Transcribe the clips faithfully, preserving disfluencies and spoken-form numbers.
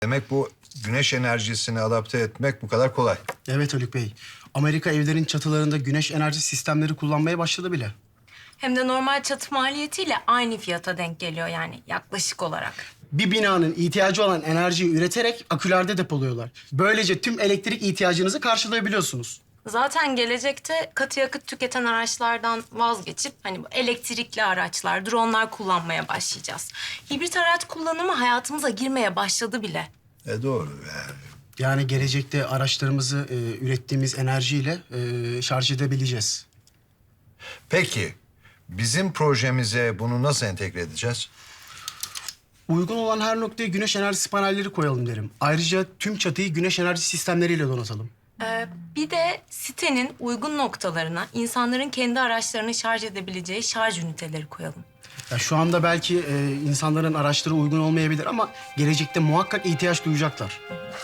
Demek bu güneş enerjisini adapte etmek bu kadar kolay. Evet Haluk Bey. Amerika evlerin çatılarında güneş enerji sistemleri kullanmaya başladı bile. Hem de normal çatı maliyetiyle aynı fiyata denk geliyor yani yaklaşık olarak. Bir binanın ihtiyacı olan enerjiyi üreterek akülerde depoluyorlar. Böylece tüm elektrik ihtiyacınızı karşılayabiliyorsunuz. Zaten gelecekte katı yakıt tüketen araçlardan vazgeçip hani bu elektrikli araçlar, dronlar kullanmaya başlayacağız. Hibrit araç kullanımı hayatımıza girmeye başladı bile. E doğru yani. Yani gelecekte araçlarımızı e, ürettiğimiz enerjiyle e, şarj edebileceğiz. Peki bizim projemize bunu nasıl entegre edeceğiz? Uygun olan her noktaya güneş enerjisi panelleri koyalım derim. Ayrıca tüm çatıyı güneş enerji sistemleriyle donatalım. Ee, bir de sitenin uygun noktalarına insanların kendi araçlarını şarj edebileceği şarj üniteleri koyalım. Ya şu anda belki e, insanların araçları uygun olmayabilir ama gelecekte muhakkak ihtiyaç duyacaklar.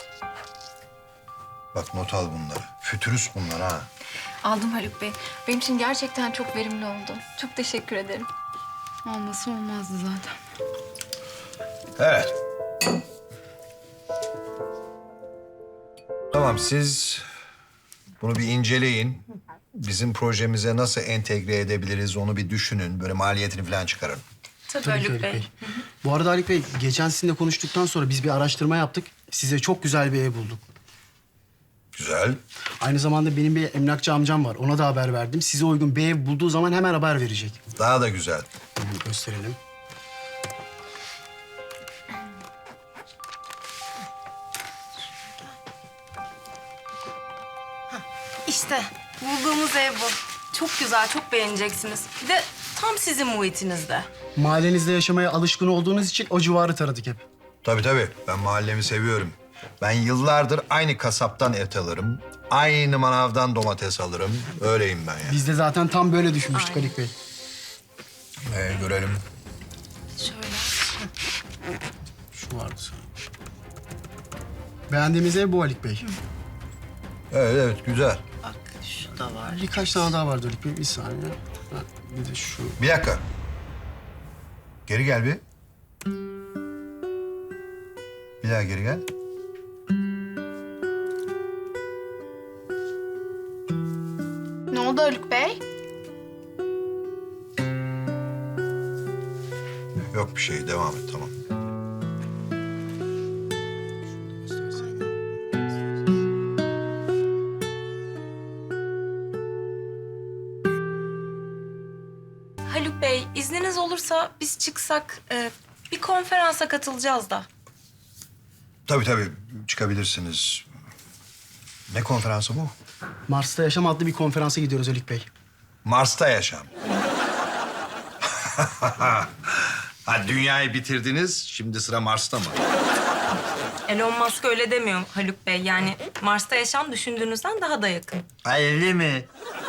Bak not al bunları. Fütürist bunlar ha. Aldım Haluk Bey. Benim için gerçekten çok verimli oldu. Çok teşekkür ederim. Olması olmazdı zaten. Evet. Tamam siz bunu bir inceleyin. Bizim projemize nasıl entegre edebiliriz onu bir düşünün. Böyle maliyetini falan çıkarın. Tabii, Tabii ki Haluk Haluk Bey. Bey. Bu arada Haluk Bey, geçen sizinle konuştuktan sonra biz bir araştırma yaptık. Size çok güzel bir ev bulduk. Güzel. Aynı zamanda benim bir emlakçı amcam var. Ona da haber verdim. Size uygun bir ev bulduğu zaman hemen haber verecek. Daha da güzel. Hemen gösterelim. İşte bulduğumuz ev bu. Çok güzel, çok beğeneceksiniz. Bir de tam sizin muhitinizde. Mahallenizde yaşamaya alışkın olduğunuz için o civarı taradık hep. Tabii tabii. Ben mahallemi seviyorum. Ben yıllardır aynı kasaptan et alırım. Aynı manavdan domates alırım. Öyleyim ben yani. Biz de zaten tam böyle düşünmüştük Haluk Bey. Ee, görelim. Şöyle. Şu vardı sanırım. Beğendiğimiz ev bu Haluk Bey. Evet evet güzel. Bak şu da var. Birkaç tane daha vardı Haluk Bey. Bir saniye. Ha, bir de şu. Bir dakika. Geri gel bir. Bir daha geri gel. Ne oldu Haluk Bey? Yok bir şey. Devam et tamam. Haluk Bey, izniniz olursa biz çıksak e, bir konferansa katılacağız da. Tabii tabii. Çıkabilirsiniz. Ne konferansı bu? Mars'ta Yaşam adlı bir konferansa gidiyoruz Haluk Bey. Mars'ta yaşam. Ha, dünyayı bitirdiniz. Şimdi sıra Mars'ta mı? Elon Musk öyle demiyor Haluk Bey. Yani Mars'ta yaşam düşündüğünüzden daha da yakın. Öyle mi?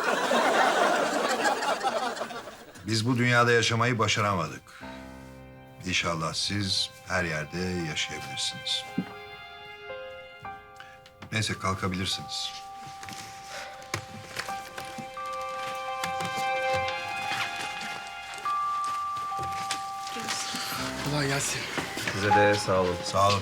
Biz bu dünyada yaşamayı başaramadık. İnşallah siz her yerde yaşayabilirsiniz. Neyse kalkabilirsiniz. Kolay gelsin. Size de sağ olun. Sağ olun.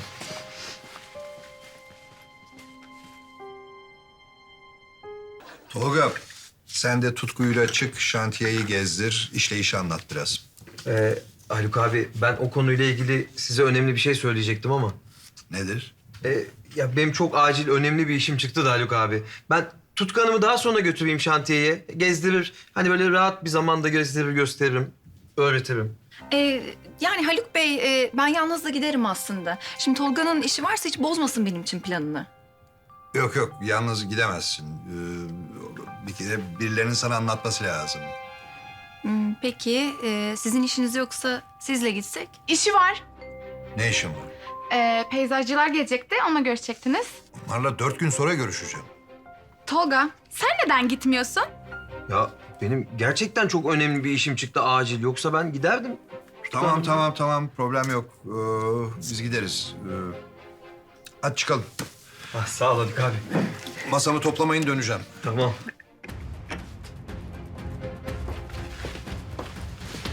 Tolga, sen de tutkuyla çık, şantiyeyi gezdir, işleyişi anlat biraz. Ee, Haluk abi ben o konuyla ilgili size önemli bir şey söyleyecektim ama... Nedir? Ee, ya benim çok acil önemli bir işim çıktı da Haluk abi. Ben Tutkan'ımı daha sonra götüreyim şantiyeye. Gezdirir. Hani böyle rahat bir zamanda gezdirir, gösteririm, öğretirim. Ee, yani Haluk Bey, e, ben yalnız da giderim aslında. Şimdi Tolga'nın işi varsa hiç bozmasın benim için planını. Yok yok, yalnız gidemezsin. Ee, bir kere birilerinin sana anlatması lazım. Hmm, peki, e, sizin işiniz yoksa sizle gitsek? İşi var. Ne işin var? Ee, peyzajcılar gelecekti, onunla görüşecektiniz. Onlarla dört gün sonra görüşeceğim. Tolga, sen neden gitmiyorsun? Ya benim gerçekten çok önemli bir işim çıktı acil. Yoksa ben giderdim. Tamam tamam tamam, problem yok. Ee, biz gideriz. Ee, hadi çıkalım. Ah, sağ ol Haluk abi. Masamı toplamayın, döneceğim. Tamam.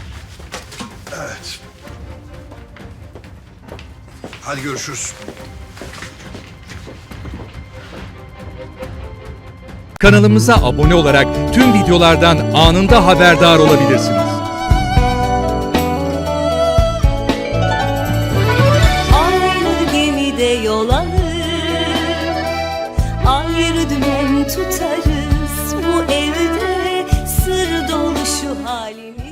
Evet. Hadi görüşürüz. Kanalımıza abone olarak tüm videolardan anında haberdar olabilirsiniz. Aynı gemide yol alır, ayrı dümen tutarız. Bu evde sır dolu şu halimiz.